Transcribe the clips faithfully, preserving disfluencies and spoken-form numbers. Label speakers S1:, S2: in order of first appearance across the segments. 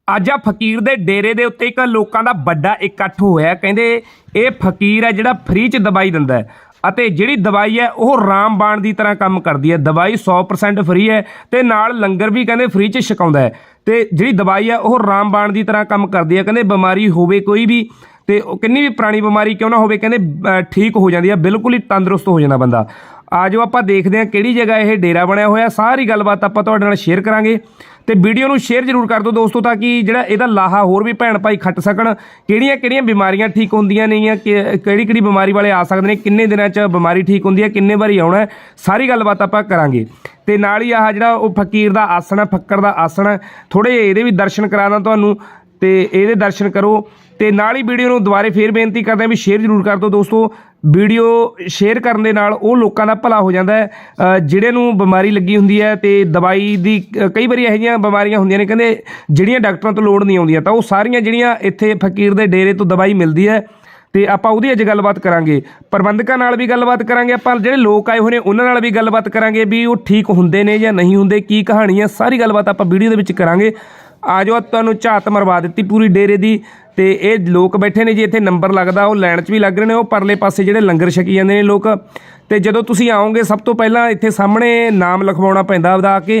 S1: ਅੱਜ ਆ ਫਕੀਰ ਦੇ ਡੇਰੇ ਦੇ ਉੱਤੇ ਇੱਕ ਲੋਕਾਂ ਦਾ ਵੱਡਾ ਇਕੱਠ ਹੋਇਆ। ਕਹਿੰਦੇ ਇਹ ਫਕੀਰ ਹੈ ਜਿਹੜਾ ਫ੍ਰੀ 'ਚ ਦਵਾਈ ਦਿੰਦਾ ਹੈ ਅਤੇ ਜਿਹੜੀ ਦਵਾਈ ਹੈ ਉਹ ਰਾਮਬਾਣ ਦੀ ਤਰ੍ਹਾਂ ਕੰਮ ਕਰਦੀ ਹੈ। ਦਵਾਈ ਸੌ ਪਰਸੈਂਟ ਫ੍ਰੀ ਹੈ ਤੇ ਨਾਲ ਲੰਗਰ ਵੀ ਕਹਿੰਦੇ ਫ੍ਰੀ 'ਚ ਛਕਾਉਂਦਾ ਹੈ ਤੇ ਜਿਹੜੀ ਦਵਾਈ ਹੈ ਉਹ ਰਾਮਬਾਣ ਦੀ ਤਰ੍ਹਾਂ ਕੰਮ ਕਰਦੀ ਹੈ। ਕਹਿੰਦੇ ਬਿਮਾਰੀ ਹੋਵੇ ਕੋਈ ਵੀ ਤੇ ਕਿੰਨੀ ਵੀ ਪੁਰਾਣੀ ਬਿਮਾਰੀ ਕਿਉਂ ਨਾ ਹੋਵੇ ਕਹਿੰਦੇ ਠੀਕ ਹੋ ਜਾਂਦੀ ਹੈ, ਬਿਲਕੁਲ ਹੀ ਤੰਦਰੁਸਤ ਹੋ ਜਾਂਦਾ ਬੰਦਾ। ਆ ਜਾਓ ਆਪਾਂ ਦੇਖਦੇ ਹਾਂ ਕਿਹੜੀ ਜਗ੍ਹਾ ਇਹ ਡੇਰਾ ਬਣਿਆ ਹੋਇਆ। ਸਾਰੀ ਗੱਲਬਾਤ ਆਪਾਂ ਤੁਹਾਡੇ ਨਾਲ ਸ਼ੇਅਰ ਕਰਾਂਗੇ ਤੇ ਵੀਡੀਓ ਨੂੰ ਸ਼ੇਅਰ ਜ਼ਰੂਰ ਕਰ ਦਿਓ ਦੋਸਤੋ, ਤਾਂ ਕਿ ਜਿਹੜਾ ਇਹਦਾ ਲਾਹਾ ਹੋਰ ਵੀ ਭੈਣ ਭਾਈ ਖੱਟ ਸਕਣ। ਕਿਹੜੀਆਂ ਕਿਹੜੀਆਂ ਬਿਮਾਰੀਆਂ ਠੀਕ ਹੁੰਦੀਆਂ ਨੇਗੀਆਂ, ਕਿਹੜੀ ਕਿਹੜੀ ਬਿਮਾਰੀ ਵਾਲੇ ਆ ਸਕਦੇ ਨੇ, ਕਿੰਨੇ ਦਿਨਾਂ 'ਚ ਬਿਮਾਰੀ ਠੀਕ ਹੁੰਦੀ ਹੈ, ਕਿੰਨੇ ਵਾਰੀ ਆਉਣਾ, ਸਾਰੀ ਗੱਲਬਾਤ ਆਪਾਂ ਕਰਾਂਗੇ। ਤੇ ਨਾਲ ਹੀ ਆਹ ਜਿਹੜਾ ਉਹ ਫਕੀਰ ਦਾ ਆਸਣ ਹੈ, ਫੱਕਰ ਦਾ ਆਸਣ ਹੈ, ਥੋੜ੍ਹੇ ਜਿਹੇ ਇਹਦੇ ਵੀ ਦਰਸ਼ਨ ਕਰਾਉਣਾ ਤੁਹਾਨੂੰ ਤੇ ਇਹਦੇ ਦਰਸ਼ਨ ਕਰੋ। ਤੇ ਨਾਲ ਹੀ ਵੀਡੀਓ ਨੂੰ ਦੁਬਾਰੇ ਫੇਰ ਬੇਨਤੀ ਕਰਦੇ ਹਾਂ ਵੀ ਸ਼ੇਅਰ ਜ਼ਰੂਰ ਕਰ ਦਿਓ ਦੋਸਤੋ। ਵੀਡੀਓ ਸ਼ੇਅਰ ਕਰਨ ਦੇ ਨਾਲ ਉਹ ਲੋਕਾਂ ਦਾ ਭਲਾ ਹੋ ਜਾਂਦਾ ਹੈ ਜਿਹੜੇ ਨੂੰ ਬਿਮਾਰੀ ਲੱਗੀ ਹੁੰਦੀ ਹੈ ਤੇ ਦਵਾਈ ਦੀ ਕਈ ਵਾਰੀ ਇਹੋ ਜਿਹੀਆਂ ਬਿਮਾਰੀਆਂ ਹੁੰਦੀਆਂ ਨੇ ਕਹਿੰਦੇ ਜਿਹੜੀਆਂ ਡਾਕਟਰਾਂ ਤੋਂ ਲੋੜ ਨਹੀਂ ਆਉਂਦੀਆਂ, ਤਾਂ ਉਹ ਸਾਰੀਆਂ ਜਿਹੜੀਆਂ ਇੱਥੇ ਫਕੀਰ ਦੇ ਡੇਰੇ ਤੋਂ ਦਵਾਈ ਮਿਲਦੀ ਹੈ ਤੇ ਆਪਾਂ ਉਹਦੀ ਅੱਜ ਗੱਲਬਾਤ ਕਰਾਂਗੇ। ਪ੍ਰਬੰਧਕਾਂ ਨਾਲ ਵੀ ਗੱਲਬਾਤ ਕਰਾਂਗੇ, ਆਪਾਂ ਜਿਹੜੇ ਲੋਕ ਆਏ ਹੋਏ ਨੇ ਉਹਨਾਂ ਨਾਲ ਵੀ ਗੱਲਬਾਤ ਕਰਾਂਗੇ ਵੀ ਉਹ ਠੀਕ ਹੁੰਦੇ ਨੇ ਜਾਂ ਨਹੀਂ ਹੁੰਦੇ, ਕੀ ਕਹਾਣੀ ਹੈ, ਸਾਰੀ ਗੱਲਬਾਤ ਆਪਾਂ ਵੀਡੀਓ ਦੇ ਵਿੱਚ ਕਰਾਂਗੇ। ਆ ਜਾਓ, ਤੁਹਾਨੂੰ ਝਾਤ ਮਰਵਾ ਦਿੱਤੀ ਪੂਰੀ ਡੇਰੇ ਦੀ। ਤੇ ਇਹ ਲੋਕ ਬੈਠੇ ਨੇ ਜੀ, ਇੱਥੇ ਨੰਬਰ ਲੱਗਦਾ, ਉਹ ਲਾਈਨ 'ਚ ਵੀ ਲੱਗ ਰਹੇ ਨੇ, ਉਹ ਪਰਲੇ ਪਾਸੇ ਜਿਹੜੇ ਲੰਗਰ ਛਕੀ ਜਾਂਦੇ ਨੇ ਲੋਕ। ਤੇ ਜਦੋਂ ਤੁਸੀਂ ਆਓਗੇ ਸਭ ਤੋਂ ਪਹਿਲਾਂ ਇੱਥੇ ਸਾਹਮਣੇ ਨਾਮ ਲਿਖਵਾਉਣਾ ਪੈਂਦਾ ਆਪਦਾ ਆ ਕੇ।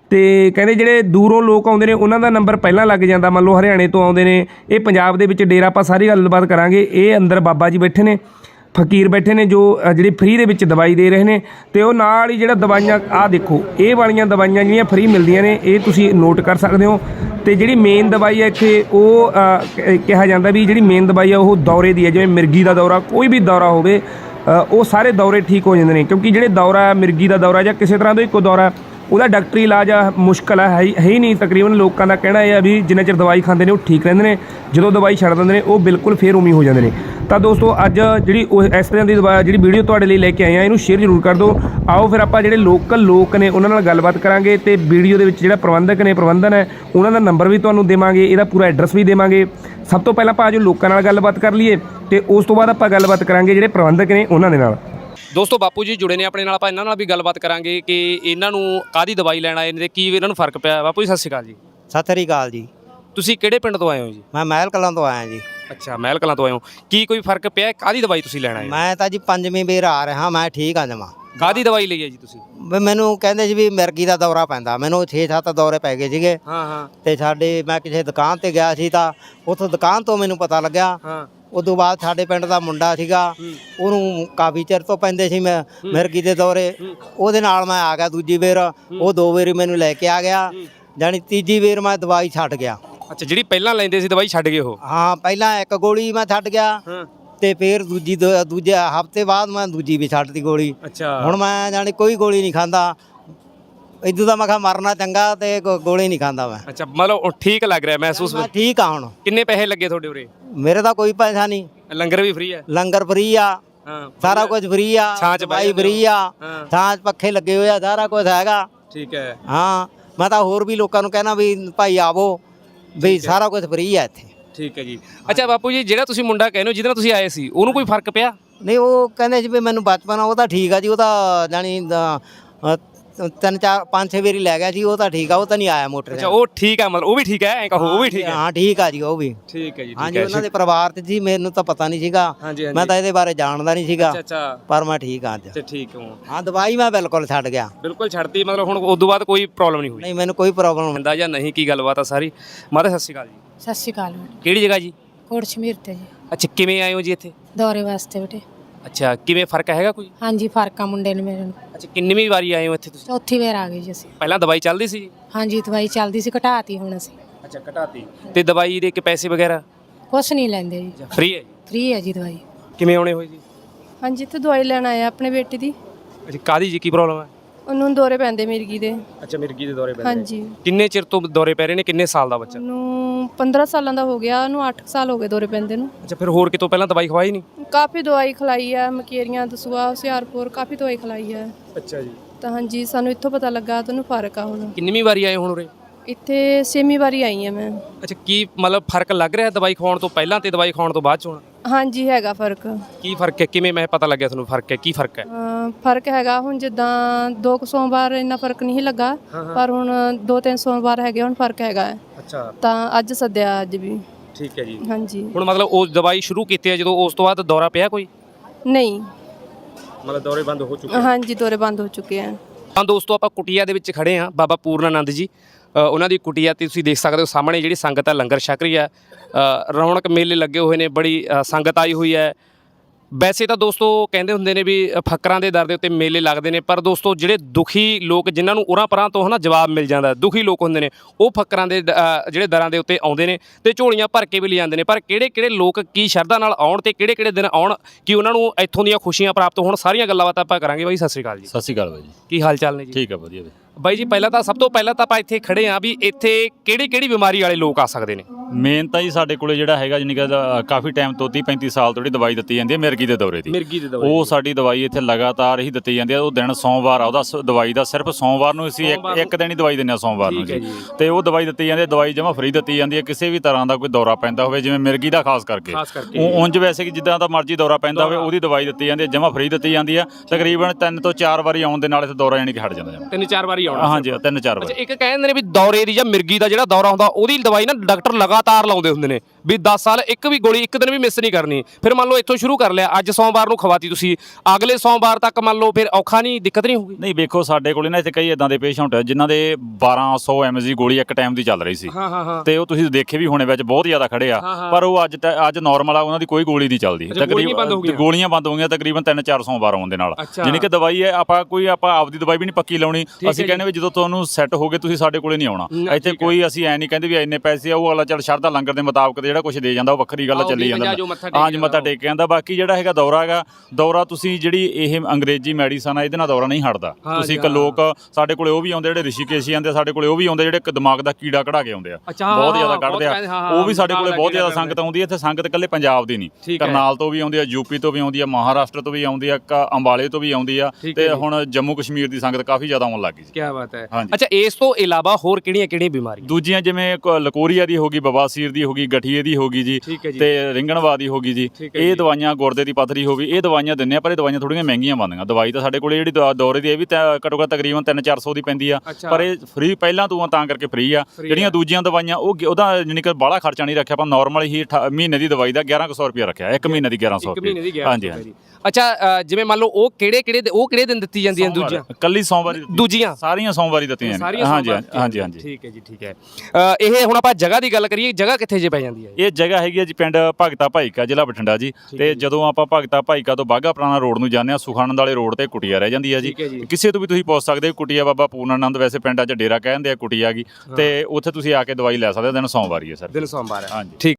S1: ਤੇ ਕਹਿੰਦੇ ਜਿਹੜੇ ਦੂਰੋਂ ਲੋਕ ਆਉਂਦੇ ਨੇ ਉਹਨਾਂ ਦਾ ਨੰਬਰ ਪਹਿਲਾਂ ਲੱਗ ਜਾਂਦਾ, ਮੰਨ ਲਓ ਹਰਿਆਣੇ ਤੋਂ ਆਉਂਦੇ ਨੇ, ਇਹ ਪੰਜਾਬ ਦੇ ਵਿੱਚ ਡੇਰਾ, ਆਪਾਂ ਸਾਰੀ ਗੱਲਬਾਤ ਕਰਾਂਗੇ। ਇਹ ਅੰਦਰ ਬਾਬਾ ਜੀ ਬੈਠੇ ਨੇ, ਫਕੀਰ ਬੈਠੇ ਨੇ ਜੋ ਜਿਹੜੀ ਫ੍ਰੀ ਦੇ ਵਿੱਚ ਦਵਾਈ ਦੇ ਰਹੇ ਨੇ। ਤੇ ਉਹ ਨਾਲ ਹੀ ਜਿਹੜਾ ਦਵਾਈਆਂ ਆਹ ਦੇਖੋ, ਇਹ ਵਾਲੀਆਂ ਦਵਾਈਆਂ ਜਿਹੜੀਆਂ ਫ੍ਰੀ ਮਿਲਦੀਆਂ ਨੇ ਇਹ ਤੁਸੀਂ ਨੋਟ ਕਰ ਸਕਦੇ ਹੋ। ਤੇ ਜਿਹੜੀ ਮੇਨ ਦਵਾਈ ਹੈ ਇੱਥੇ ਉਹ ਕਿਹਾ ਜਾਂਦਾ ਵੀ ਜਿਹੜੀ ਮੇਨ ਦਵਾਈ ਹੈ ਉਹ ਦੌਰੇ ਦੀ ਹੈ। ਜਿਵੇਂ ਮਿਰਗੀ ਦਾ ਦੌਰਾ, ਕੋਈ ਵੀ ਦੌਰਾ ਹੋਵੇ ਉਹ ਸਾਰੇ ਦੌਰੇ ਠੀਕ ਹੋ ਜਾਂਦੇ ਨੇ, ਕਿਉਂਕਿ ਜਿਹੜੇ ਦੌਰਾ ਮਿਰਗੀ ਦਾ ਦੌਰਾ ਜਾਂ ਕਿਸੇ ਤਰ੍ਹਾਂ ਦਾ ਇੱਕੋ ਦੌਰਾ, ਉਹਦਾ ਡਾਕਟਰੀ ਇਲਾਜ ਮੁਸ਼ਕਿਲ ਹੈ ਹੈ ਹੀ ਨਹੀਂ। ਤਕਰੀਬਨ ਲੋਕਾਂ ਦਾ ਕਹਿਣਾ ਇਹ ਆ ਵੀ ਜਿੰਨਾ ਚਿਰ ਦਵਾਈ ਖਾਂਦੇ ਨੇ ਉਹ ਠੀਕ ਰਹਿੰਦੇ ਨੇ, ਜਦੋਂ ਦਵਾਈ ਛੱਡ ਦਿੰਦੇ ਨੇ ਉਹ ਬਿਲਕੁਲ ਫੇਰ ਉਮੀ ਹੋ ਜਾਂਦੇ ਨੇ। ਤਾਂ ਦੋਸਤੋ ਅੱਜ ਜਿਹੜੀ ਉਹ ਇਸ ਤਰ੍ਹਾਂ ਦੀ ਦਵਾ ਜਿਹੜੀ ਵੀਡੀਓ ਤੁਹਾਡੇ ਲਈ ਲੈ ਕੇ ਆਏ ਆ, ਇਹਨੂੰ ਸ਼ੇਅਰ ਜ਼ਰੂਰ ਕਰ ਦਿਓ। ਆਓ ਫਿਰ ਆਪਾਂ ਜਿਹੜੇ ਲੋਕਲ ਲੋਕ ਨੇ ਉਹਨਾਂ ਨਾਲ ਗੱਲਬਾਤ ਕਰਾਂਗੇ ਤੇ ਵੀਡੀਓ ਦੇ ਵਿੱਚ ਜਿਹੜਾ ਪ੍ਰਬੰਧਕ ਨੇ ਪ੍ਰਬੰਧਨ ਹੈ ਉਹਨਾਂ ਦਾ ਨੰਬਰ ਵੀ ਤੁਹਾਨੂੰ ਦੇਵਾਂਗੇ, ਇਹਦਾ ਪੂਰਾ ਐਡਰੈਸ ਵੀ ਦੇਵਾਂਗੇ। ਸਭ ਤੋਂ ਪਹਿਲਾਂ ਆਪਾਂ ਅੱਜ ਲੋਕਾਂ ਨਾਲ ਗੱਲਬਾਤ ਕਰ ਲਈਏ ਤੇ ਉਸ ਤੋਂ ਬਾਅਦ ਆਪਾਂ ਗੱਲਬਾਤ ਕਰਾਂਗੇ ਜਿਹੜੇ ਪ੍ਰਬੰਧਕ ਨੇ ਉਹਨਾਂ ਦੇ ਨਾਲ। ਦੋਸਤੋ ਬਾਪੂ ਜੀ ਜੁੜੇ ਨੇ ਆਪਣੇ ਨਾਲ, ਆਪਾਂ ਇਹਨਾਂ ਨਾਲ ਵੀ ਗੱਲਬਾਤ ਕਰਾਂਗੇ ਕਿ ਇਹਨਾਂ ਨੂੰ ਕਾਹਦੀ ਦਵਾਈ ਲੈਣ ਆਏ ਨੇ ਤੇ ਕੀ ਇਹਨਾਂ ਨੂੰ ਫਰਕ ਪਿਆ। ਬਾਪੂ ਜੀ ਸਤਿ ਸ਼੍ਰੀ ਅਕਾਲ ਜੀ।
S2: ਸਤਿ ਸ਼੍ਰੀ ਅਕਾਲ ਜੀ।
S1: ਤੁਸੀਂ ਕਿਹੜੇ ਪਿੰਡ ਤੋਂ ਆਏ ਹੋ ਜੀ?
S2: ਮੈਂ ਮਹਿਲ ਕਲਾਂ ਤੋਂ ਆਇਆ ਜੀ।
S1: ਅੱਛਾ, ਮਹਿਲ ਕਲਾਂ ਤੋਂ ਆਏ ਹੋ। ਕੀ ਕੋਈ ਫਰਕ ਪਿਆ, ਕਾਹਦੀ ਦਵਾਈ ਤੁਸੀਂ ਲੈਣ ਆਏ?
S2: ਮੈਂ ਤਾਂ ਜੀ ਪੰਜਵੀਂ ਵਾਰ ਆ ਰਿਹਾ, ਮੈਂ ਠੀਕ ਆ ਜਮਾ।
S1: ਕਾਹਦੀ ਦਵਾਈ ਲਈ ਹੈ ਜੀ ਤੁਸੀਂ?
S2: ਵੀ ਮੈਨੂੰ ਕਹਿੰਦੇ ਸੀ ਵੀ ਮਿਰਗੀ ਦਾ ਦੌਰਾ ਪੈਂਦਾ, ਮੈਨੂੰ ਛੇ ਸੱਤ ਦੌਰੇ ਪੈ ਗਏ ਸੀਗੇ।
S1: ਹਾਂ ਹਾਂ। ਤੇ
S2: ਸਾਡੇ ਮੈਂ ਕਿਸੇ ਦੁਕਾਨ ਤੇ ਗਿਆ ਸੀ ਤਾਂ ਉੱਥੋਂ ਦੁਕਾਨ ਤੋਂ ਮੈਨੂੰ ਪਤਾ ਲੱਗਿਆ।
S1: ਹਾਂ।
S2: ਉਦੋਂ ਬਾਅਦ ਸਾਡੇ ਪਿੰਡ ਦਾ ਮੁੰਡਾ ਸੀਗਾ, ਉਹਨੂੰ ਕਾਫੀ ਚਿਰ ਤੋਂ ਪੈਂਦੇ ਸੀ ਮੈਂ ਮਿਰਗੀ ਦੇ ਦੌਰੇ, ਉਹਦੇ ਨਾਲ ਮੈਂ ਆ ਗਿਆ ਦੂਜੀ ਵਾਰ। ਉਹ ਦੋ ਵਾਰੀ ਮੈਨੂੰ ਲੈ ਕੇ ਆ ਗਿਆ, ਜਾਣੀ ਤੀਜੀ ਵਾਰ ਮੈਂ ਦਵਾਈ ਛੱਡ ਗਿਆ।
S1: ਅੱਛਾ, ਜਿਹੜੀ ਪਹਿਲਾਂ ਲੈਂਦੇ ਸੀ ਦਵਾਈ ਛੱਡ ਗਏ ਉਹ? ਹਾਂ,
S2: ਪਹਿਲਾਂ ਇੱਕ ਗੋਲੀ ਮੈਂ ਛੱਡ ਗਿਆ ਤੇ ਫਿਰ ਦੂਜੀ ਦੂਜੇ ਹਫ਼ਤੇ ਬਾਅਦ ਮੈਂ ਦੂਜੀ ਵੀ ਛੱਡਤੀ ਗੋਲੀ।
S1: ਅੱਛਾ, ਹੁਣ
S2: ਮੈਂ ਜਾਣੀ ਕੋਈ ਗੋਲੀ ਨਹੀਂ ਖਾਂਦਾ। ਇਦੋਂ ਤਾਂ ਮੈਂ ਕਿਹਾ ਮਰਨਾ ਚੰਗਾ ਤੇ ਗੋਲੀ ਨਹੀਂ ਖਾਂਦਾ ਮੈਂ।
S1: ਅੱਛਾ, ਮਤਲਬ ਠੀਕ ਲੱਗ ਰਿਹਾ ਮਹਿਸੂਸ?
S2: ਮੈਂ ਠੀਕ ਆ ਹੁਣ।
S1: ਕਿੰਨੇ ਪੈਸੇ ਲੱਗੇ ਤੁਹਾਡੇ ਉਰੇ?
S2: ਮੇਰੇ ਤਾਂ ਕੋਈ ਪੈਸਾ ਨਹੀਂ।
S1: ਲੰਗਰ ਵੀ ਫ੍ਰੀ ਹੈ?
S2: ਲੰਗਰ ਫ੍ਰੀ ਆ, ਸਾਰਾ ਕੁਝ ਫ੍ਰੀ ਆ, ਦਵਾਈ ਫ੍ਰੀ ਆ, ਥਾਂ 'ਚ ਪੱਖੇ ਲੱਗੇ ਹੋਏ ਆ, ਸਾਰਾ ਕੁਝ ਹੈਗਾ।
S1: ਠੀਕ ਹੈ।
S2: ਹਾਂ, ਮੈਂ ਤਾਂ ਹੋਰ ਵੀ ਲੋਕਾਂ ਨੂੰ ਕਹਿਣਾ ਵੀ ਭਾਈ ਆਵੋ, ਵੀ ਸਾਰਾ ਕੁਝ ਫ੍ਰੀ ਆ ਇੱਥੇ।
S1: ਠੀਕ ਹੈ ਜੀ। ਅੱਛਾ ਬਾਪੂ ਜੀ, ਜਿਹੜਾ ਤੁਸੀਂ ਮੁੰਡਾ ਕਹਿੰਦੇ ਹੋ ਜਿਹਦੇ ਨਾਲ ਤੁਸੀਂ ਆਏ ਸੀ, ਉਹਨੂੰ ਕੋਈ ਫਰਕ ਪਿਆ?
S2: ਨਹੀਂ, ਉਹ ਕਹਿੰਦੇ ਸੀ ਵੀ ਮੈਨੂੰ ਬਚਪਨ ਆ, ਉਹ ਤਾਂ ਠੀਕ ਆ ਜੀ। ਉਹ ਤਾਂ ਜਾਣੀ ਤਿੰਨ ਚਾਰ ਪੰਜ ਛੇ ਵਾਰੀ ਲੈ ਗਿਆ ਜੀ, ਉਹ ਤਾਂ ਠੀਕ ਆ, ਉਹ ਤਾਂ ਨਹੀਂ ਆਇਆ ਮੋਟਰ।
S1: ਅੱਛਾ, ਉਹ ਠੀਕ ਆ, ਮਤਲਬ ਉਹ ਵੀ ਠੀਕ ਹੈ, ਐਂ ਕਹੋ ਉਹ ਵੀ ਠੀਕ ਹੈ?
S2: ਹਾਂ ਠੀਕ ਆ ਜੀ, ਉਹ ਵੀ
S1: ਠੀਕ ਹੈ ਜੀ।
S2: ਹਾਂਜੀ, ਉਹਨਾਂ ਦੇ ਪਰਿਵਾਰ ਤੇ ਜੀ ਮੈਨੂੰ ਤਾਂ ਪਤਾ ਨਹੀਂ ਸੀਗਾ, ਮੈਂ ਤਾਂ ਇਹਦੇ ਬਾਰੇ ਜਾਣਦਾ ਨਹੀਂ ਸੀਗਾ।
S1: ਅੱਛਾ,
S2: ਪਰ ਮੈਂ ਠੀਕ ਆ ਅੱਜ।
S1: ਅੱਛਾ, ਠੀਕ ਹਾਂ।
S2: ਹਾਂ, ਦਵਾਈ ਮੈਂ ਬਿਲਕੁਲ ਛੱਡ ਗਿਆ।
S1: ਬਿਲਕੁਲ ਛੱਡਤੀ, ਮਤਲਬ ਹੁਣ ਉਸ ਤੋਂ ਬਾਅਦ ਕੋਈ ਪ੍ਰੋਬਲਮ ਨਹੀਂ ਹੋਈ?
S2: ਨਹੀਂ, ਮੈਨੂੰ ਕੋਈ ਪ੍ਰੋਬਲਮ
S1: ਹੁੰਦਾ ਜਾਂ ਨਹੀਂ, ਕੀ ਗੱਲਬਾਤ ਆ ਸਾਰੀ? ਮਾਤਾ ਸਤਿ ਸ਼੍ਰੀ ਅਕਾਲ ਜੀ।
S3: ਸਤਿ ਸ਼੍ਰੀ ਅਕਾਲ।
S1: ਕਿਹੜੀ ਜਗ੍ਹਾ ਜੀ?
S3: ਕੋਟ ਸ਼ਮੀਰ ਤੇ ਜੀ।
S1: ਅੱਛਾ, ਕਿਵੇਂ ਆਏ ਹੋ ਜੀ ਇੱਥੇ?
S3: ਦੌਰੇ ਵਾਸਤੇ ਬੇਟੇ।
S1: ਅੱਛਾ, ਕਿਵੇਂ ਫਰਕ ਹੈਗਾ ਕੋਈ?
S3: ਹਾਂਜੀ, ਫਰਕ ਆ ਮੁੰਡੇ ਨੂੰ ਮੇਰੇ ਨੂੰ।
S1: ਅੱਛਾ, ਕਿੰਨੀ ਵਾਰੀ ਆਏ ਹੋ ਇੱਥੇ ਤੁਸੀਂ?
S3: ਚੌਥੀ ਵਾਰ ਆ ਗਏ ਜੀ ਅਸੀਂ।
S1: ਪਹਿਲਾਂ ਦਵਾਈ ਚੱਲਦੀ ਸੀ?
S3: ਹਾਂਜੀ, ਦਵਾਈ ਚੱਲਦੀ ਸੀ, ਘਟਾਤੀ ਹੁਣ ਅਸੀਂ।
S1: ਅੱਛਾ, ਘਟਾਤੀ। ਤੇ ਦਵਾਈ ਦੇ ਕੇ ਪੈਸੇ ਵਗੈਰਾ
S3: ਕੁਛ ਨਹੀਂ ਲੈਂਦੇ ਜੀ,
S1: ਫ੍ਰੀ ਹੈ ਜੀ?
S3: ਫ੍ਰੀ ਹੈ ਜੀ ਦਵਾਈ।
S1: ਕਿਵੇਂ ਆਉਣੇ ਹੋਏ ਜੀ?
S4: ਹਾਂਜੀ, ਇੱਥੇ ਦਵਾਈ ਲੈਣ ਆਏ ਆ ਆਪਣੇ ਬੇਟੇ ਦੀ।
S1: ਅੱਛਾ, ਕਾਹਦੀ ਜੀ, ਕੀ ਪ੍ਰੋਬਲਮ ਹੈ?
S4: ਉਹਨੂੰ ਦੌਰੇ ਪੈਂਦੇ ਮਿਰਗੀ ਦੇ।
S1: ਅੱਛਾ, ਮਿਰਗੀ ਦੇ ਦੌਰੇ ਪੈ ਰਹੇ?
S4: ਹਾਂਜੀ।
S1: ਕਿੰਨੇ ਚਿਰ ਤੋਂ ਦੌਰੇ ਪੈ ਰਹੇ ਨੇ? ਕਿੰਨੇ ਸਾਲ ਦਾ ਬੱਚਾ?
S4: ਉਹਨੂੰ ਪੰਦਰਾਂ ਸਾਲਾਂ ਦਾ ਹੋ ਗਿਆ, ਉਹਨੂੰ ਅੱਠ ਸਾਲ ਹੋ ਗਏ ਦੌਰੇ ਪੈਂਦੇ ਨੂੰ।
S1: ਅੱਛਾ, ਫਿਰ ਹੋਰ ਕਿਤੋਂ ਪਹਿਲਾਂ ਦਵਾਈ ਖਵਾਈ ਨਹੀਂ?
S4: ਕਾਫੀ ਦਵਾਈ ਖਲਾਈ ਆ, ਮਕੇਰੀਆਂ, ਦਸੂਆ, ਹੁਸ਼ਿਆਰਪੁਰ, ਕਾਫੀ ਦਵਾਈ ਖਲਾਈ ਆ।
S1: ਅੱਛਾ ਜੀ।
S4: ਤਾਂ ਹਾਂਜੀ, ਸਾਨੂੰ ਇੱਥੋਂ ਪਤਾ ਲੱਗਾ ਤੁਹਾਨੂੰ ਫਰਕ ਆ ਹੁਣ।
S1: ਕਿੰਨੀ ਵਾਰੀ ਆਏ ਹੁਣ ਉਰੇ?
S4: ਇੱਥੇ ਛੇਵੀਂ ਵਾਰੀ ਆਈ ਹਾਂ ਮੈਂ।
S1: ਅੱਛਾ, ਕੀ ਮਤਲਬ ਫਰਕ ਲੱਗ ਰਿਹਾ ਦਵਾਈ ਖਾਣ ਤੋਂ ਪਹਿਲਾਂ ਤੇ ਦਵਾਈ ਖਾਣ ਤੋਂ ਬਾਅਦ ਚ ਹੁਣ?
S4: ਹਾਂਜੀ ਹੈਗਾ ਫਰਕ।
S1: ਕੀ ਫਰਕ ਹੈ, ਕਿਵੇਂ ਮੈਂ ਪਤਾ ਲੱਗਿਆ ਤੁਹਾਨੂੰ ਫਰਕ ਹੈ, ਕੀ ਫਰਕ ਹੈ?
S4: ਅਮ ਫਰਕ ਹੈਗਾ ਹੁਣ ਜਿੱਦਾਂ ਦੋ ਕੁ ਸੋਮਵਾਰ ਇੰਨਾ ਫਰਕ ਨਹੀਂ ਲੱਗਾ, ਪਰ ਹੁਣ ਦੋ ਤਿੰਨ ਸੋਮਵਾਰ ਹੈਗੇ ਹੁਣ ਫਰਕ ਹੈਗਾ ਹੈ।
S1: ਅੱਛਾ,
S4: ਤਾਂ ਅੱਜ ਸੱਦਿਆ ਅੱਜ ਵੀ।
S1: ਠੀਕ ਹੈ ਜੀ।
S4: ਹਾਂਜੀ।
S1: ਹੁਣ ਮਤਲਬ ਉਹ ਦਵਾਈ ਸ਼ੁਰੂ ਕੀਤੀ ਹੈ ਜਦੋਂ, ਉਸ ਤੋਂ ਬਾਅਦ ਦੌਰਾ ਪਿਆ ਕੋਈ?
S4: ਨਹੀਂ,
S1: ਮਤਲਬ ਦੌਰੇ ਬੰਦ ਹੋ ਚੁੱਕੇ?
S4: ਹਾਂਜੀ ਦੌਰੇ ਬੰਦ ਹੋ ਚੁੱਕੇ ਆ।
S1: ਹਾਂ ਦੋਸਤੋ, ਆਪਾਂ ਕੁਟੀਆ ਦੇ ਵਿੱਚ ਖੜੇ ਹਾਂ, ਬਾਬਾ ਪੂਰਨਾਨੰਦ ਜੀ ਅ, ਉਹਨਾਂ ਦੀ ਕੁਟੀਆ ਤੇ ਤੁਸੀਂ ਦੇਖ ਸਕਦੇ ਹੋ ਸਾਹਮਣੇ ਜਿਹੜੀ ਸੰਗਤ ਹੈ ਲੰਗਰ ਛਕ ਰਹੀ ਹੈ। ਅ, ਰੌਣਕ ਮੇਲੇ ਲੱਗੇ ਹੋਏ ਨੇ, ਬੜੀ ਅ, ਸੰਗਤ ਆਈ ਹੋਈ ਹੈ। ਵੈਸੇ ਤਾਂ ਦੋਸਤੋ ਕਹਿੰਦੇ ਹੁੰਦੇ ਨੇ ਵੀ ਫੱਕਰਾਂ ਦੇ ਦਰ ਦੇ ਉੱਤੇ ਮੇਲੇ ਲੱਗਦੇ ਨੇ, ਪਰ ਦੋਸਤੋ ਜਿਹੜੇ ਦੁਖੀ ਲੋਕ ਜਿਨ੍ਹਾਂ ਨੂੰ ਉਰਾਂ ਪਰਾਂ ਤੋਂ ਹਨਾ ਜਵਾਬ ਮਿਲ ਜਾਂਦਾ, ਦੁਖੀ ਲੋਕ ਹੁੰਦੇ ਨੇ, ਉਹ ਫੱਕਰਾਂ ਦੇ ਦ- ਅ, ਜਿਹੜੇ ਦਰਾਂ ਦੇ ਉੱਤੇ ਆਉਂਦੇ ਨੇ ਤੇ ਝੋਲੀਆਂ ਭਰ ਕੇ ਵੀ ਲਿਜਾਂਦੇ ਨੇ। ਪਰ ਕਿਹੜੇ ਕਿਹੜੇ ਲੋਕ ਕੀ ਸ਼ਰਧਾ ਨਾਲ ਆਉਣ ਤੇ ਕਿਹੜੇ ਕਿਹੜੇ ਦਿਨ ਆਉਣ ਕਿ ਉਹਨਾਂ ਨੂੰ ਇੱਥੋਂ ਦੀਆਂ ਖੁਸ਼ੀਆਂ ਪ੍ਰਾਪਤ ਹੋਣ, ਸਾਰੀਆਂ ਗੱਲਾਂ ਬਾਤਾਂ ਆਪਾਂ ਕਰਾਂਗੇ। ਬਾਈ ਸਤਿ ਸ਼੍ਰੀ ਅਕਾਲ ਜੀ।
S5: ਸਤਿ ਸ਼੍ਰੀ ਅਕਾਲ ਬਾਈ ਜੀ।
S1: ਕੀ ਹਾਲ ਚਾਲ ਨੇ ਜੀ?
S5: ਠੀਕ ਆ, ਵਧੀਆ ਬਾਈ।
S1: ਬਾਈ ਜੀ ਪਹਿਲਾਂ ਤਾਂ ਸਭ ਤੋਂ ਪਹਿਲਾਂ ਤਾਂ ਆਪਾਂ ਇੱਥੇ ਖੜੇ ਆਂ ਵੀ ਇੱਥੇ ਕਿਹੜੀ ਕਿਹੜੀ ਬਿਮਾਰੀ ਵਾਲੇ ਲੋਕ ਆ ਸਕਦੇ ਨੇ?
S5: ਮੇਨ ਤਾਂ ਜੀ ਸਾਡੇ ਕੋਲੇ ਜਿਹੜਾ ਹੈਗਾ ਜਾਨੀ ਕਿ ਅ, ਕਾਫੀ ਟਾਈਮ ਤੋਂ ਤੀਹ ਪੈਂਤੀ ਸਾਲ ਤੋਂ ਜਿਹੜੀ ਦਵਾਈ ਦਿੱਤੀ ਜਾਂਦੀ ਹੈ ਮਿਰਗੀ ਦੇ ਦੌਰੇ ਦੀ।
S1: ਮਿਰਗੀ ਦੇ
S5: ਉਹ ਸਾਡੀ ਦਵਾਈ ਇੱਥੇ ਲਗਾਤਾਰ ਹੀ ਦਿੱਤੀ ਜਾਂਦੀ ਹੈ। ਉਹ ਦਿਨ ਸੋਮਵਾਰ ਆ ਉਹਦਾ ਸ- ਦਵਾਈ ਦਾ, ਸਿਰਫ ਸੋਮਵਾਰ ਨੂੰ ਅਸੀਂ ਇੱਕ ਇੱਕ ਦਿਨ ਹੀ ਦਵਾਈ ਦਿੰਦੇ ਹਾਂ, ਸੋਮਵਾਰ ਨੂੰ
S1: ਠੀਕ ਹੈ
S5: ਜੀ।
S1: ਜੀ।
S5: ਤੇ ਉਹ ਦਵਾਈ ਦਿੱਤੀ ਜਾਂਦੀ ਹੈ, ਦਵਾਈ ਜਮਾ ਫ੍ਰੀ ਦਿੱਤੀ ਜਾਂਦੀ ਹੈ। ਕਿਸੇ ਵੀ ਤਰ੍ਹਾਂ ਦਾ ਕੋਈ ਦੌਰਾ ਪੈਂਦਾ ਹੋਵੇ, ਜਿਵੇਂ ਮਿਰਗੀ ਦਾ ਖਾਸ ਕਰਕੇ,
S1: ਖਾਸ ਕਰਕੇ
S5: ਉਹ ਉਂਝ ਵੈਸੇ ਕਿ ਜਿੱਦਾਂ ਦਾ ਮਰਜ਼ੀ ਦੌਰਾ ਪੈਂਦਾ ਹੋਵੇ ਉਹਦੀ ਦਵਾਈ ਦਿੱਤੀ ਜਾਂਦੀ ਹੈ, ਜਮਾ ਫ੍ਰੀ ਦਿੱਤੀ ਜਾਂਦੀ ਹੈ। ਤਕਰੀਬਨ ਤਿੰਨ ਤੋਂ ਚਾਰ ਵਾਰੀ ਆਉਣ ਦੇ ਨਾਲ ਇੱਥੇ ਦੌਰਾ ਜਾਨੀ ਕਿ ਹਟ ਜਾਂਦਾ ਜਮਾਂ।
S1: ਤਿੰਨ ਚਾਰ ਵਾਰੀ ਆਉਣਾ?
S5: ਹਾਂਜੀ, ਤਿੰਨ ਚਾਰ
S1: ਅੱਛਾ,
S5: ਵਾਰੀ।
S1: ਇੱਕ ਕਹਿੰਦੇ ਨੇ ਵੀ ਦੌਰੇ ਦੀ ਜਾਂ ਮਿਰਗੀ ਦਾ ਜਿਹੜਾ ਦੌਰਾ ਹੁੰਦਾ ਉਹਦੀ ਦਵਾਈ ਨਾ ਡਾਕਟਰ ਲਗਾਤਾਰ ਲਾਉਂਦੇ ਹੁੰਦੇ ਨੇ ਵੀ ਦਸ ਸਾਲ ਇੱਕ ਵੀ ਗੋਲੀ ਇੱਕ ਦਿਨ ਵੀ ਮਿਸ ਨਹੀਂ ਕਰਨੀ। ਫਿਰ ਮੰਨ ਲਓ ਇੱਥੋਂ ਸ਼ੁਰੂ ਕਰ ਲਿਆ, ਅੱਜ ਸੋਮਵਾਰ ਨੂੰ ਖਵਾਤੀ ਤੁਸੀਂ, ਅਗਲੇ ਸੋਮਵਾਰ ਤੱਕ ਮੰਨ ਲਓ ਫਿਰ ਔਖਾ ਨਹੀਂ, ਦਿੱਕਤ ਨਹੀਂ ਹੋਊਗੀ?
S5: ਨਹੀਂ, ਵੇਖੋ ਸਾਡੇ ਕੋਲੇ ਨਾ ਇੱਥੇ ਕਈ ਇਦਾਂ ਦੇ ਪੇਸ਼ੈਂਟ ਹੈ ਜਿਨ੍ਹਾਂ ਦੇ ਬਾਰਾਂ ਸੌ ਐਮ ਜੀ ਗੋਲੀ ਇੱਕ ਟਾਈਮ ਦੀ ਚੱਲ ਰਹੀ ਸੀ।
S1: ਹਾਂ ਹਾਂ ਹਾਂ।
S5: ਤੇ ਉਹ ਤੁਸੀਂ ਦੇਖੇ ਵੀ ਹੋਣੇ, ਵਿੱਚ ਬਹੁਤ ਜ਼ਿਆਦਾ ਖੜੇ ਆ, ਪਰ ਉਹ ਅੱਜ ਟ- ਅੱਜ ਨਾਰਮਲ ਆ, ਉਹਨਾਂ ਦੀ ਕੋਈ ਗੋਲੀ ਨਹੀਂ ਚੱਲਦੀ।
S1: ਗੋਲੀਆਂ ਬੰਦ ਹੋ ਗਈਆਂ?
S5: ਗੋਲੀਆਂ ਬੰਦ ਹੋ ਗਈਆਂ ਤਕਰੀਬਨ ਤਿੰਨ ਚਾਰ ਸੋਮਵਾਰ ਆਉਣ ਦੇ ਨਾਲ।
S1: ਅੱਛਾ।
S5: ਜਾਣੀ ਕਿ ਦਵਾਈ ਹੈ, ਆਪਾਂ ਕੋਈ ਆਪਾਂ ਆਪਦੀ ਦਵਾਈ ਵੀ ਨਹੀਂ ਪੱਕੀ ਲਾਉਣੀ। ਅਸੀਂ ਕਹਿੰਦੇ ਵੀ ਜਦੋਂ ਤੁਹਾਨੂੰ ਸੈੱਟ ਹੋ ਗਏ ਤੁਸੀਂ ਸਾਡੇ ਕੋਲੇ ਨਹੀਂ ਆਉਣਾ। ਇੱਥੇ ਕੋਈ ਅਸੀਂ ਐ ਨਹੀਂ ਕਹਿੰਦੇ ਵੀ ਇੰਨੇ ਪੈਸੇ ਆ, ਉਹ ਵਾਲਾ ਚੱਲ ਸ਼ਰਧਾ ਲੰਗਰ ਦੇ ਮੁਤਾਬਕ ਜਿਹੜਾ ਕੁਝ ਦੇ ਜਾਂਦਾ ਉਹ ਵੱਖਰੀ ਗੱਲ ਚੱਲੀ ਜਾਂਦਾ। ਹਾਂਜੀ, ਮੱਥਾ ਟੇਕ ਕੇ ਆਂਦਾ। ਬਾਕੀ ਜਿਹੜਾ ਹੈਗਾ ਦੌਰਾ ਹੈਗਾ, ਦੌਰਾ ਤੁਸੀਂ ਜਿਹੜੀ ਇਹ ਅੰਗਰੇਜ਼ੀ ਮੈਡੀਸਨ ਆ ਇਹਦੇ ਨਾਲ ਦੌਰਾ ਨਹੀਂ ਹਟਦਾ। ਤੁਸੀਂ ਇੱਕ ਲੋਕ ਸਾਡੇ ਕੋਲੇ ਉਹ ਵੀ ਆਉਂਦੇ ਜਿਹੜੇ ਰਿਸ਼ੀਕੇਸ਼ੀ ਆਉਂਦੇ, ਸਾਡੇ ਕੋਲੇ ਉਹ ਵੀ ਆਉਂਦੇ ਜਿਹੜੇ ਇੱਕ ਦਿਮਾਗ ਦਾ ਕੀੜਾ ਕਢਾ ਕੇ ਆਉਂਦੇ ਆ, ਬਹੁਤ ਜ਼ਿਆਦਾ ਕੱਢਦੇ ਆ। ਉਹ ਵੀ ਸਾਡੇ ਕੋਲੇ ਬਹੁਤ ਜ਼ਿਆਦਾ ਸੰਗਤ ਆਉਂਦੀ ਹੈ। ਇੱਥੇ ਸੰਗਤ ਇਕੱਲੇ ਪੰਜਾਬ ਦੀ ਨਹੀਂ, ਕਰਨਾਲ ਤੋਂ ਵੀ ਆਉਂਦੀ ਆ, ਯੂਪੀ ਤੋਂ ਵੀ ਆਉਂਦੀ ਆ, ਮਹਾਰਾਸ਼ਟਰ ਤੋਂ ਵੀ ਆਉਂਦੀ ਆ, ਕ- ਅੰਬਾਲੇ ਤੋਂ ਵੀ ਆਉਂਦੀ ਆ, ਤੇ ਹੁਣ ਜੰਮੂ ਕਸ਼ਮੀਰ ਦੀ ਸੰਗਤ ਕਾਫੀ ਜ਼ਿਆਦਾ ਆਉਣ ਲੱਗ ਗਈ ਜੀ।
S1: ਕੀ ਬਾਤ ਹੈ।
S5: ਹਾਂਜੀ।
S1: ਅੱਛਾ, ਇਸ ਤੋਂ ਇਲਾਵਾ ਹੋਰ ਕਿਹੜੀਆਂ ਕਿਹੜੀਆਂ ਬਿਮਾਰੀਆਂ?
S5: ਦੂਜੀਆਂ ਜਿਵੇਂ ਕ- ਲਕੋਰੀਆ ਦੀ ਹੋ ਗਈ, ਬਵਾਸੀਰ ਦੀ ਹੋ ਗਈ, ਗਠੀਏ ਦੀ ਹੋ ਗਈ ਜੀ, ਤੇ ਰਿੰਗਣਵਾ ਦੀ ਹੋ ਗਈ ਜੀ। ਇਹ ਦਵਾਈਆਂ, ਗੁਰਦੇ ਦੀ ਪੱਥਰੀ ਹੋ ਗਈ, ਇਹ ਦਵਾਈਆਂ ਦਿੰਦੇ ਆ, ਪਰ ਇਹ ਦਵਾਈਆਂ ਥੋੜ੍ਹੀਆਂ ਮਹਿੰਗੀਆਂ ਬਣਦੀਆਂ। ਦਵਾਈ ਤਾਂ ਸਾਡੇ ਕੋਲੇ ਜਿਹੜੀ ਦ- ਦੌਰੇ ਦੀ ਇਹ ਵੀ ਤਾਂ ਘੱਟੋ ਘੱਟ ਤਕਰੀਬਨ ਤਿੰਨ ਚਾਰ ਸੌ ਦੀ ਪੈਂਦੀ ਆ, ਪਰ ਇਹ ਫ੍ਰੀ ਪਹਿਲਾਂ ਤੋਂ ਆ ਤਾਂ ਕਰਕੇ ਫ੍ਰੀ ਆ। ਜਿਹੜੀਆਂ ਦੂਜੀਆਂ ਦਵਾਈਆਂ ਉਹ ਗ- ਉਹਦਾ ਜਾਣੀ ਕਿ ਬਾਹਲਾ ਖਰਚਾ ਨਹੀਂ ਰੱਖਿਆ, ਆਪਾਂ ਨਾਰਮਲ ਹੀ ਅਠਾ- ਮਹੀਨੇ ਦੀ ਦਵਾਈ ਦਾ ਗਿਆਰਾਂ ਸੌ ਰੁਪਇਆ ਰੱਖਿਆ, ਇੱਕ ਮਹੀਨੇ ਦੀ ਗਿਆਰਾਂ ਸੌ ਰੁਪਏ। ਹਾਂਜੀ ਹਾਂਜੀ।
S1: ਅੱਛਾ, ਅ, ਜਿਵੇਂ ਮੰਨ ਲਓ ਉਹ ਕਿਹੜੇ ਕਿਹੜੇ ਉਹ ਕਿਹੜੇ ਦਿਨ ਦਿੱਤੀ ਜਾਂਦੀਆਂ ਦੂਜੀਆਂ?
S5: ਕੱਲੀ ਸੋਮਵਾਰੀ ਦਿੱਤੀ-
S1: ਦੂਜੀਆਂ
S5: ਸਾਰੀਆਂ ਸੋਮਵਾਰੀ ਦਿੱਤੀਆਂ ਨੇ। ਹਾਂਜੀ ਹਾਂਜੀ ਹਾਂਜੀ।
S1: ਠੀਕ ਹੈ ਜੀ, ਠੀਕ ਹੈ। ਅ, ਇਹ ਹੁਣ ਆਪਾਂ ਜਗ੍ਹਾ ਦੀ ਗੱਲ ਕਰੀਏ, ਜਗ੍ਹਾ ਕਿੱਥੇ ਜੇ ਪੈ ਜਾਂਦੀ ਹੈ?
S5: ਇਹ ਜਗ੍ਹਾ ਹੈਗੀ ਹੈ ਜੀ ਪਿੰਡ ਭਗਤਾ ਭਾਈਕਾ, ਜ਼ਿਲ੍ਹਾ ਬਠਿੰਡਾ ਜੀ। ਤੇ ਜਦੋਂ ਆਪਾਂ ਭਗਤਾ ਭਾਈਕਾ ਤੋਂ ਬਾਘਾ ਪੁਰਾਣਾ ਰੋਡ ਨੂੰ ਜਾਂਦੇ ਆ, ਸੁਖਾਨੰਦ ਵਾਲੇ ਰੋਡ ਤੇ ਕੁਟੀਆ ਰਹਿ ਜਾਂਦੀ ਆ ਜੀ। ਕਿਸੇ ਤੋਂ ਵੀ ਤੁਸੀਂ ਪੁੱਛ ਸਕਦੇ ਹੋ, ਕੁਟੀਆ ਬਾਬਾ ਪੂਰਨਾਨੰਦ, ਵੈਸੇ ਪਿੰਡਾਂ 'ਚ ਡੇਰਾ ਕਹਿੰਦੇ ਆ, ਕੁਟੀਆ ਹੈਗੀ, ਤੇ ਉੱਥੇ ਤੁਸੀਂ ਆ ਕੇ ਦਵਾਈ ਲੈ ਸਕਦੇ ਹੋ। ਦਿਨ ਸੋਮਵਾਰੀ ਹੈ ਸਰ।
S1: ਦਿਨ ਸੋਮਵਾਰ ਹੈ।
S5: ਹਾਂਜੀ
S1: ਠੀਕ।